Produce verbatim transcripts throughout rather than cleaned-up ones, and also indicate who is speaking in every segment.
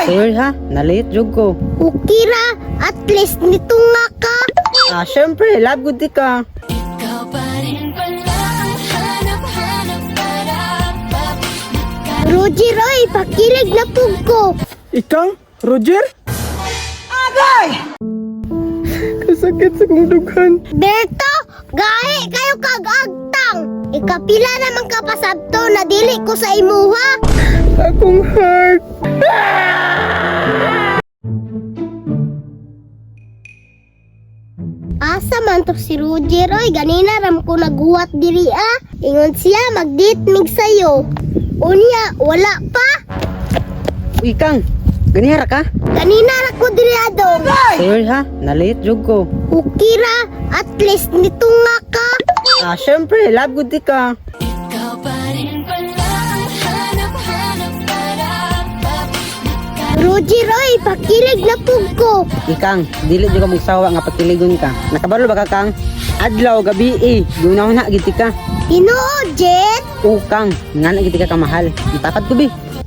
Speaker 1: Sorry ha, nalit jud ko.
Speaker 2: Okay ra, at least nito nga ka.
Speaker 1: Ah, syempre, love good di ka.
Speaker 3: Ikaw pa rin pala ang hanap-hanap para
Speaker 2: Roger, oy, pakilig na pug ko.
Speaker 4: Ikang? Roger? Agay! Kasakit sa kong dughan.
Speaker 2: Berto, gahe kayo kag-agtang. Ikapila naman ka pasabto na dili ko sa imuha.
Speaker 4: Akong heart.
Speaker 2: Asa man to si Roger, oy, ganina ram ko naghuwat diri ah. Ingon siya mag-date mig sayo. Unya, wala pa.
Speaker 1: Uy, Kang, ganihara ka?
Speaker 2: Ganina ra ko diri adong.
Speaker 1: Sorry ha, nalit jud ko.
Speaker 2: Okay ra, at least nito nga ka.
Speaker 1: Ah, syempre, love good di ka.
Speaker 3: Ikaw pa rin pala ang hanap-hanap para
Speaker 2: Roger, oy, pakilig na pug ko.
Speaker 1: Ikang, dili jud ka magsawa nga patiligon ka. Nakabalo ba ka, Kang? Adlaw, gabi eh. Gunaw na, giti ka.
Speaker 2: Tinuod, Jet.
Speaker 1: Oo, Kang, nga na giti ka kamahal. Itakad ko, bi.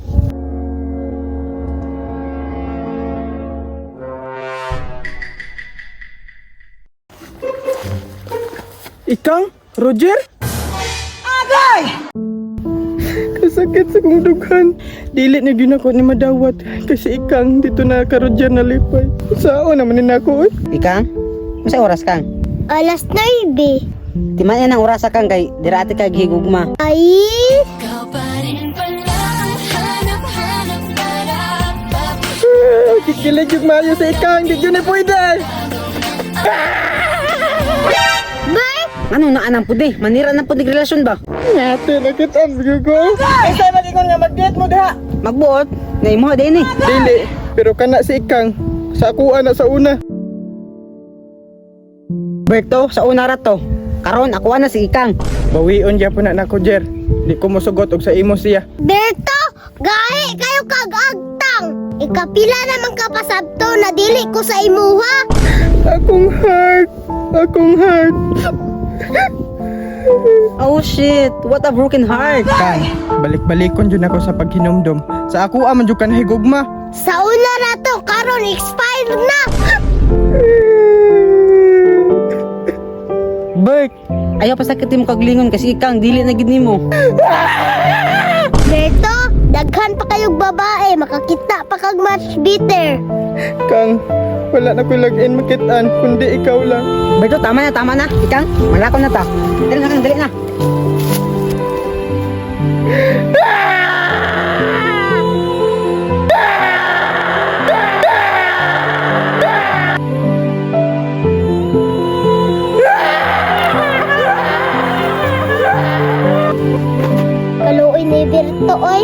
Speaker 4: Ikang? Roger? Agay! Kasakit sa kong dughan. Dili na gyud ako ni madawat. Kasi ikang dito na ka Roger nalipay. Sao naman ni nako oy?
Speaker 1: Ikang, masay oras, Kang?
Speaker 2: Alas nine.
Speaker 1: Timan yan ang orasa, Kang, kay dira ati ka gihigugma.
Speaker 2: Ay,
Speaker 3: Ikaw pa rin pala ang hanap-hanap para
Speaker 4: Ah, Kikilig yung mayo sa ikang. Di yun ay pwede.
Speaker 2: bay,
Speaker 1: Ano na anang pudi? Manira na pudi relasyon ba?
Speaker 4: Ngate na kita. Sige ko. Isa mag-ingon nga mag-date mo diha.
Speaker 1: Magbuot, na imo din eh.
Speaker 4: Dili. Pero kana si ikang. Sa ako na sa una.
Speaker 1: Berto, sa una ra to. Karon ako na si Ikang.
Speaker 4: Bawion dya po na nako Jer. Di ko mosugot og sa imo siya.
Speaker 2: Berto, gahe kayo kag-agtang. Ikapila naman ka pasabto na dili ko sa imuha.
Speaker 4: Akong heart. Akong heart.
Speaker 1: Oh shit, what a broken heart.
Speaker 4: Kay, balik-balikon dyan ako sa paghinumdum. Sa ako aman dyan ka nahigugma.
Speaker 2: Sa una na to, karon expired na.
Speaker 1: Bert, ayaw pa sakitin mo kaglingon kasi Ikang dili na gid nimo.
Speaker 2: Berto, daghan pa kayong babae, makakita pa kag match bitter.
Speaker 4: Kang, wala na ko log-in makitaan, kundi ikaw lang.
Speaker 1: Berto, tama na, tama na. Ikang, malako na ta. Dali na, Kang, dali na.
Speaker 2: Kaluoy ni Berto, oy.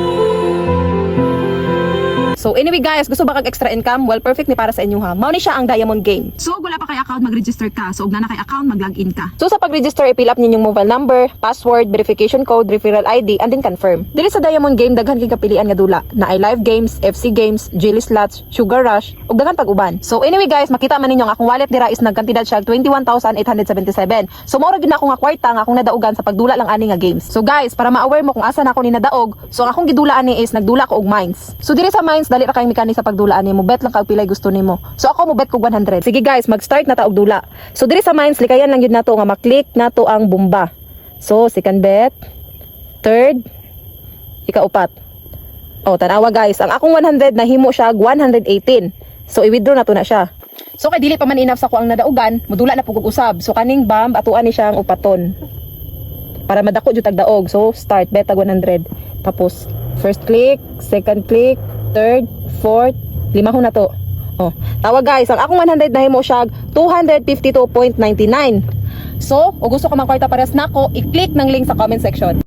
Speaker 5: So anyway guys, gusto ba kag extra income? Well, perfect ni para sa inyo ha. Mao ni siya ang Diamond Game.
Speaker 6: So, wala pa kay account, mag-register ka. So, ug na na kay account, mag-login ka.
Speaker 5: So sa pag-register, i-fill up ninyong mobile number, password, verification code, referral I D, and then confirm. Dili sa Diamond Game, daghan kay kapilian nga dula. Na ay live games, F C games, Jelly Slots, Sugar Rush, ug daghan pag-uban. So anyway guys, makita man ninyo ang akong wallet dira is nagkantidad siya twenty-one thousand eight hundred seventy-seven. So mao ra gid na ako nga kwarta nga akong nadaugan sa pagdula lang ani nga games. So guys, para ma-aware mo kung asa na ako ni nadaog, so ang akong gidula ani is nagdula ko og mines. So diri sa mines, dali ra kay mechanic sa pagdulaan nimo, bet lang kag pilay gusto nimo. So ako mo bet kog one hundred. Sige guys, mag-start na ta og dula. So diri sa mines likayan lang yun nato nga maklik nato ang bomba. So second bet, third, ikaupat. Oh, tanawa guys, ang akong one hundred nahimo siya one hundred eighteen. So i-withdraw na to na siya. So kay dili pa man enough sa ko ang nadaugan, modula na pugog usab. So kaning bomb atuan ni siya ang upaton. Para madako jud tag daog. So start bet tag one hundred. Tapos first click, second click, third, fourth, lima ho na to. Oh, tawa guys, ang akong one hundred nahimo siya two hundred fifty-two point nine nine. So, o gusto ko mang kwarta pares nako, i-click ng link sa comment section.